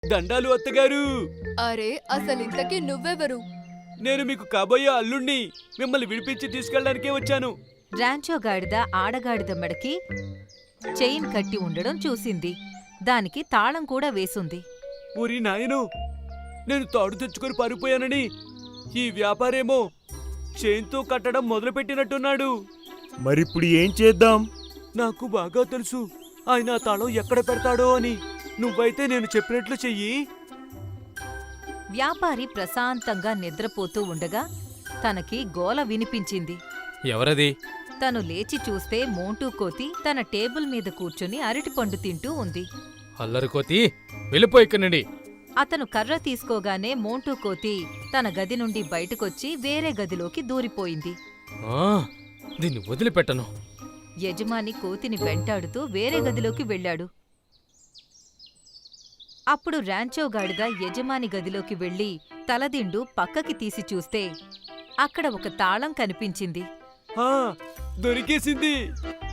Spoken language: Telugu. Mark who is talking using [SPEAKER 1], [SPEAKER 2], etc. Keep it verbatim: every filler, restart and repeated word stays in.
[SPEAKER 1] దండాలు అత్తగారు.
[SPEAKER 2] అరే అసలింతకీ నువ్వెవరు?
[SPEAKER 1] నేను మీకు కాబోయే అల్లుణ్ణి. మిమ్మల్ని విడిపించి తీసుకెళ్ళడానికే వచ్చాను.
[SPEAKER 3] రాంచో గాడిద ఆడగాడిద మెడకి చైన్ కట్టి ఉండడం చూసింది. దానికి తాళం కూడా వేసుంది.
[SPEAKER 1] ఊరి నాయను, నేను తాడు తెచ్చుకొని పారిపోయానని ఈ వ్యాపారేమో చైన్తో కట్టడం మొదలుపెట్టినట్టున్నాడు.
[SPEAKER 4] మరిప్పుడు ఏం చేద్దాం?
[SPEAKER 1] నాకు బాగా తెలుసు ఆయన ఆ తాళం ఎక్కడ పెడతాడో అని. నువ్వైతే నేను చెప్పినట్లు చెయ్యి.
[SPEAKER 3] వ్యాపారి ప్రశాంతంగా నిద్రపోతూ ఉండగా తనకి గోల వినిపించింది.
[SPEAKER 5] ఎవరది?
[SPEAKER 3] తను లేచి చూస్తే మోంటూ కోతి తన టేబుల్ మీద కూర్చుని అరటిపండు తింటూ ఉంది.
[SPEAKER 5] అల్లరికోతి, వెళ్ళిపో ఇక్కడి నుండి.
[SPEAKER 3] అతను కర్ర తీసుకోగానే మోంటూ కోతి తన గది నుండి బయటకొచ్చి వేరే గదిలోకి దూరిపోయింది.
[SPEAKER 5] ఆ, దీన్ని వదిలిపెట్టను.
[SPEAKER 3] యజమాని కోతిని వెంటాడుతూ వేరే గదిలోకి వెళ్ళాడు. అప్పుడు రాంచో గాడిద యజమాని గదిలోకి వెళ్లి తలదిండు పక్కకి తీసి చూస్తే అక్కడ ఒక తాళం కనిపించింది.
[SPEAKER 1] ఆ, దొరికేసింది.